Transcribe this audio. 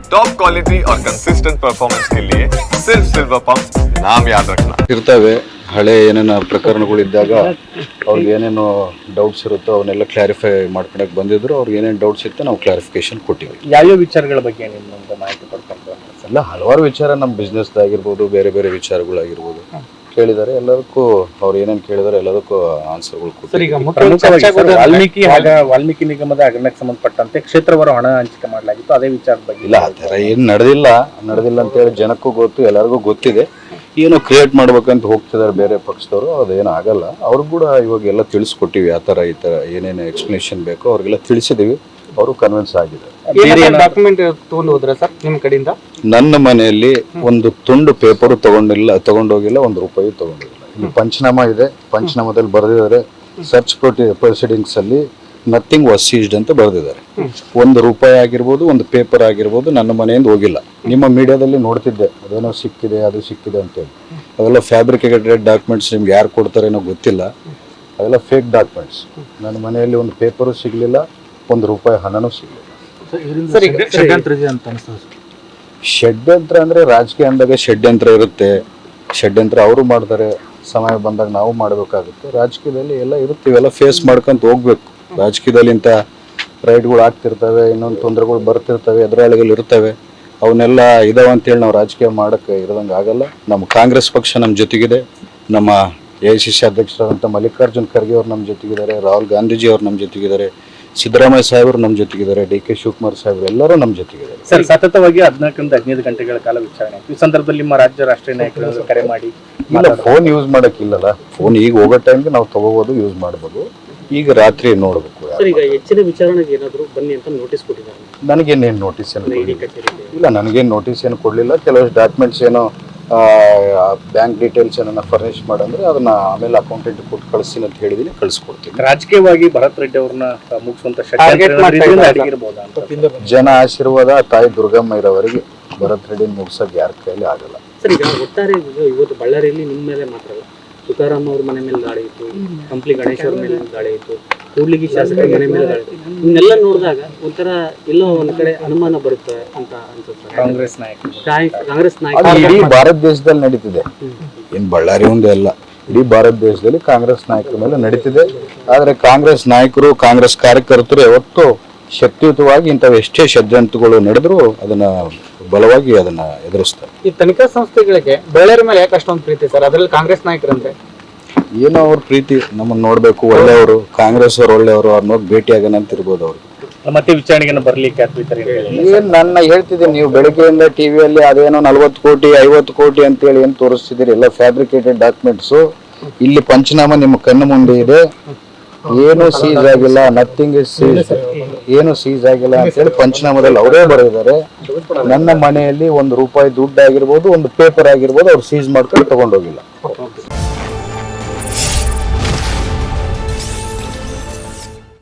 Top quality और consistent performance के लिए सिर्फ सिल्वर पंप नाम याद रखना। ಇರ್ತವೆ ಹಳೆ ಏನೇನು ಪ್ರಕರಣಗಳಿದ್ದಾಗ ಅವ್ರಿಗೆ ಏನೇನು ಡೌಟ್ಸ್ ಇರುತ್ತೋ ಅವನ್ನೆಲ್ಲ ಕ್ಲಾರಿಫೈ ಮಾಡ್ಕೊಳಕ್ಕೆ ಬಂದಿದ್ರು. ಅವ್ರಿಗೆ ಏನೇನು ಡೌಟ್ಸ್ ಇತ್ತು ನಾವು ಕ್ಲಾರಿಫಿಕೇಶನ್ ಕೊಟ್ಟಿವಿ. ಯಾವ್ಯಾವ ವಿಚಾರಗಳ ಬಗ್ಗೆ ನಿಮ್ಮೊಂದು ಮಾಹಿತಿ ಪಡ್ಕೊಂಡು ಎಲ್ಲ ಹಲವಾರು ವಿಚಾರ ನಮ್ಮ ಬಿಸ್ನೆಸ್ದಾಗಿರ್ಬೋದು, ಬೇರೆ ಬೇರೆ ವಿಚಾರಗಳಾಗಿರ್ಬೋದು ಕೇಳಿದ್ದಾರೆ. ಎಲ್ಲದಕ್ಕೂ ಅವ್ರು ಏನೇನು ಕೇಳಿದಾರೆ ಎಲ್ಲದಕ್ಕೂ ಆನ್ಸರ್ಗಳು ವಾಲ್ಮೀಕಿ ವಾಲ್ಮೀಕಿ ನಿಗಮದ ಹಗರಣಕ್ಕೆ ಸಂಬಂಧಪಟ್ಟಂತೆ ಕ್ಷೇತ್ರವಾರು ಹಣ ಹಂಚಿಕೆ ಮಾಡಲಾಗಿತ್ತು. ಅದೇ ವಿಚಾರದ ಬಗ್ಗೆ ಇಲ್ಲ, ಆ ಥರ ಏನು ನಡೆದಿಲ್ಲ ಅಂತೇಳಿ ಜನಕ್ಕೂ ಗೊತ್ತು, ಎಲ್ಲರಿಗೂ ಗೊತ್ತಿದೆ. ಏನೋ ಕ್ರಿಯೇಟ್ ಮಾಡ್ಬೇಕಂತ ಹೋಗ್ತಿದ್ದಾರೆ ಬೇರೆ ಪಕ್ಷದವರು, ಅದೇನು ಆಗಲ್ಲ. ಅವ್ರಿಗೆ ಕೂಡ ಇವಾಗ ಎಲ್ಲ ತಿಳಿಸ್ಕೊಟ್ಟಿವಿ. ಆ ಥರ ಈ ಥರ ಏನೇನು ಎಕ್ಸ್ಪ್ಲನೇಷನ್ ಬೇಕೋ ಅವ್ರಿಗೆಲ್ಲ ತಿಳಿಸಿದೀವಿ. ಅವರು ಕನ್ವಿನ್ಸ್ ಆಗಿದೆ. ಡಾಕ್ಯುಮೆಂಟ್ ತಗೊಂಡು ಹೋದ್ರ ಸರ್ ನಿಮ್ಮ ಕಡೆಯಿಂದ? ನನ್ನ ಮನೆಯಲ್ಲಿ ಒಂದು ತುಂಡು ಪೇಪರ್ ತಗೊಂಡೋಗಿಲ್ಲ, ಒಂದು ರೂಪಾಯಿ ತಗೊಂಡಿಲ್ಲ. ಇಲ್ಲಿ ಪಂಚನಾಮ ಇದೆ, ಪಂಚನಾಮದಲ್ಲಿ ಬರೆದಿದ್ದಾರೆ ಸರ್ಚ್ ಪ್ರೊಸೀಡಿಂಗ್ಸ್ ಅಲ್ಲಿ ನಥಿಂಗ್ ವಾಸ್ ಸೀಸ್ಡ್ ಅಂತ ಬರೆದಿದ್ದಾರೆ. ಒಂದು ರೂಪಾಯಿ ಆಗಿರ್ಬೋದು, ಒಂದು ಪೇಪರ್ ಆಗಿರ್ಬೋದು ನನ್ನ ಮನೆಯಿಂದ ಹೋಗಿಲ್ಲ. ನಿಮ್ಮ ಮೀಡಿಯಾದಲ್ಲಿ ನೋಡ್ತಿದ್ದೆ ಅದೇನೋ ಸಿಕ್ಕಿದೆ, ಅದು ಸಿಕ್ಕಿದೆ ಅಂತೇಳಿ. ಅವೆಲ್ಲ ಫ್ಯಾಬ್ರಿಕೇಟೆಡ್ ಡಾಕ್ಯುಮೆಂಟ್ಸ್. ನಿಮ್ಗೆ ಯಾರು ಕೊಡ್ತಾರೇನೋ ಗೊತ್ತಿಲ್ಲ, ಅವೆಲ್ಲ ಫೇಕ್ ಡಾಕ್ಯುಮೆಂಟ್ಸ್. ನನ್ನ ಮನೆಯಲ್ಲಿ ಒಂದು ಪೇಪರು ಸಿಗಲಿಲ್ಲ, ಒಂದು ರೂಪಾಯಿ ಹಣನೂ ಸಿಗಲಿಲ್ಲ. ಷಡ್ಯಂತ್ರ ಅಂದರೆ ರಾಜಕೀಯ ಅಂದಾಗ ಷಡ್ಯಂತ್ರ ಇರುತ್ತೆ. ಷಡ್ಯಂತ್ರ ಅವರು ಮಾಡ್ತಾರೆ, ಸಮಯ ಬಂದಾಗ ನಾವು ಮಾಡಬೇಕಾಗುತ್ತೆ. ರಾಜಕೀಯದಲ್ಲಿ ಎಲ್ಲ ಇರುತ್ತೆ, ಇವೆಲ್ಲ ಫೇಸ್ ಮಾಡ್ಕೊಂತ ಹೋಗ್ಬೇಕು. ರಾಜಕೀಯದಲ್ಲಿ ಇಂಥ ರೈಟ್ಗಳು ಆಗ್ತಿರ್ತವೆ, ಇನ್ನೊಂದು ತೊಂದರೆಗಳು ಬರ್ತಿರ್ತವೆ, ಎದುರಾಳಿಗಳು ಇರ್ತವೆ. ಅವನ್ನೆಲ್ಲ ಇದಾವೆ ಅಂತೇಳಿ ನಾವು ರಾಜಕೀಯ ಮಾಡೋಕ್ಕೆ ಇರೋದಂಗೆ ಆಗಲ್ಲ. ನಮ್ಮ ಕಾಂಗ್ರೆಸ್ ಪಕ್ಷ ನಮ್ಮ ಜೊತೆಗಿದೆ. ನಮ್ಮ AICC ಅಧ್ಯಕ್ಷರಾದಂಥ ಮಲ್ಲಿಕಾರ್ಜುನ್ ಖರ್ಗೆ ಅವ್ರು ನಮ್ಮ ಜೊತೆಗಿದ್ದಾರೆ, ರಾಹುಲ್ ಗಾಂಧೀಜಿ ಅವ್ರು ನಮ್ಮ ಜೊತೆಗಿದ್ದಾರೆ, ಸಿದ್ದರಾಮಯ್ಯ ಸಾಹೇಬರು ನಮ್ಮ ಜೊತೆಗಿದ್ದಾರೆ, DK ಶಿವಕುಮಾರ್ ಸಾಹೇಬರು ಎಲ್ಲರೂ ನಮ್ಮ ಜೊತೆಗಿದ್ದಾರೆ. ಸರ್, ಸತತವಾಗಿ 14ರಿಂದ 15 ಗಂಟೆಗಳ ಕಾಲ ವಿಚಾರಣೆ. ಈ ಸಂದರ್ಭದಲ್ಲಿ ನಿಮ್ಮ ರಾಜ್ಯ ರಾಷ್ಟ್ರೀಯ ನಾಯಕರು ಕರೆ ಮಾಡಿ ಇಲ್ಲ, ಫೋನ್ ಯೂಸ್ ಮಾಡೋಕ್ಕಿಲ್ಲಲ್ಲ. ಫೋನ್ ಈಗ ಹೋಗೋ ಟೈಮ್ಗೆ ನಾವು ತಗೋಬೋದು, ಯೂಸ್ ಮಾಡ್ಬೋದು. ಈಗ ರಾತ್ರಿ ನೋಡಬೇಕು. ಈಗ ಹೆಚ್ಚಿನ ವಿಚಾರಣೆಗೆ ಏನಾದರೂ ಬನ್ನಿ ಅಂತ ನೋಟಿಸ್ ಕೊಟ್ಟಿದ್ದಾರೆ? ನನಗೇನೇನು ನೋಟಿಸ್ ಏನು ಇಲ್ಲ, ನನಗೇನು ನೋಟಿಸ್ ಏನು ಕೊಡಲಿಲ್ಲ. ಕೆಲವಷ್ಟು ಡಾಕ್ಯುಮೆಂಟ್ಸ್ ಏನೋ ಬ್ಯಾಂಕ್ ಡೀಟೇಲ್ಸ್ ಏನನ್ನ ಫರ್ನಿಶ್ ಮಾಡಂದ್ರೆ ಅದನ್ನ ಆಮೇಲೆ ಅಕೌಂಟೆಂಟ್ ಕೊಟ್ಟು ಕಳಿಸ್ತೀನಿ ಅಂತ ಹೇಳಿದೀನಿ, ಕಳಿಸ್ಕೊಡ್ತೀನಿ. ರಾಜಕೀಯವಾಗಿ ಭರತ್ ರೆಡ್ಡಿ ಅವ್ರನ್ನ ಮುಗಿಸುವಂತ ಜನ ಆಶೀರ್ವಾದ ತಾಯಿ ದುರ್ಗಮ್ಮ ಇರೋವರೆಗೆ ಭರತ್ ರೆಡ್ಡಿ ಮುಗಿಸೋಕೆ ಯಾರ ಕೈಯಲ್ಲಿ ಆಗಲ್ಲ. ಸರ್, ಈಗ ಒಟ್ಟಾರೆ ಇವತ್ತು ಬಳ್ಳಾರಿಯಲ್ಲಿ ನಿಮ್ಮ ಮೇಲೆ ಮಾತ್ರ ತುಕಾರಾಮ್ ಅವ್ರ ಮನೆ ಮೇಲೆ ದಾಳಿ ಇತ್ತು, ಕಂಪ್ಲಿ ಗಣೇಶ್ ಅವ್ರ ಮೇಲೆ ದಾಳಿ ಇತ್ತು, ಕೂಡ್ಲಿಗಿ ಶಾಸಕರ ಮನೆ ಮೇಲೆ ದಾಳಿ ಇತ್ತು. ಇವನ್ನೆಲ್ಲ ನೋಡಿದಾಗ ಒಂಥರ ಎಲ್ಲೋ ಒಂದ್ ಕಡೆ ಅನುಮಾನ ಬರುತ್ತೆ ಅಂತ ಅನ್ಸುತ್ತೆ. ಕಾಂಗ್ರೆಸ್ ನಾಯಕ ಇಡೀ ಭಾರತ ದೇಶದಲ್ಲಿ ನಡೀತಿದೆ, ಏನ್ ಬಳ್ಳಾರಿ ಒಂದೇ ಅಲ್ಲ, ಇಡೀ ಭಾರತ ದೇಶದಲ್ಲಿ ಕಾಂಗ್ರೆಸ್ ನಾಯಕರ ಮೇಲೆ ನಡೀತಿದೆ. ಆದ್ರೆ ಕಾಂಗ್ರೆಸ್ ನಾಯಕರು, ಕಾಂಗ್ರೆಸ್ ಕಾರ್ಯಕರ್ತರು ಯಾವತ್ತೂ ಶಕ್ತಿಯುತವಾಗಿ ಇಂಥವು ಎಷ್ಟೇ ಷಡ್ಯಂತ್ರಗಳು ನಡೆದ್ರು ಅದನ್ನ ಬಲವಾಗಿ ಅದನ್ನ ಎದುರಿಸ್ತಾರೆ. ಈ ತನಿಖಾ ಸಂಸ್ಥೆಗಳಿಗೆ ಬಳ್ಳಾರಿ ಮೇಲೆ ಯಾಕೆ ಅಷ್ಟೊಂದು ಪ್ರೀತಿ ಸರ್? ಅದರಲ್ಲಿ ಕಾಂಗ್ರೆಸ್ ನಾಯಕರಂತೆ ಏನೋ ಅವ್ರ ಪ್ರೀತಿ, ನಮ್ಮನ್ನ ನೋಡ್ಬೇಕು, ಒಳ್ಳೆಯವರು, ಕಾಂಗ್ರೆಸ್ ಅವ್ರು ಒಳ್ಳೆಯವರು, ಅವ್ರನ್ನ ಹೋಗಿ ಭೇಟಿ ಆಗೋಣ ಅಂತ ಇರ್ಬೋದು ಅವ್ರಿಗೆ. ಮತ್ತೆ ವಿಚಾರಣೆಗೆ ಬರ್ಲಿಕ್ಕೆ ಏನ್ ನನ್ನ ಹೇಳ್ತಿದ್ದೀನಿ, ನೀವು ಬೆಳಗ್ಗೆಯಿಂದ ಟಿವಿಯಲ್ಲಿ ಅದೇನೋ 40 ಕೋಟಿ 50 ಕೋಟಿ ಅಂತೇಳಿ ಏನ್ ತೋರಿಸ್ತಿದ್ದೀರಿ, ಎಲ್ಲ ಫ್ಯಾಬ್ರಿಕೇಟೆಡ್ ಡಾಕ್ಯುಮೆಂಟ್ಸು. ಇಲ್ಲಿ ಪಂಚನಾಮ ನಿಮ್ಮ ಕಣ್ಣು ಮುಂದೆ ಇದೆ, ಏನು ಸೀಸ್ ಆಗಿಲ್ಲ, ನಥಿಂಗ್ ಇಸ್ ಸೀಸ್, ಏನು ಸೀಸ್ ಆಗಿಲ್ಲ ಅಂತೇಳಿ ಪಂಚನಾಮದಲ್ಲಿ ಅವರೇ ಬರೆದಿದ್ದಾರೆ. ನನ್ನ ಮನೆಯಲ್ಲಿ ಒಂದು ರೂಪಾಯಿ ದುಡ್ಡು ಆಗಿರ್ಬೋದು, ಒಂದು ಪೇಪರ್ ಆಗಿರ್ಬೋದು, ಅವ್ರು ಸೀಸ್ ಮಾಡ್ಕೊಂಡು ತಗೊಂಡೋಗಿಲ್ಲ.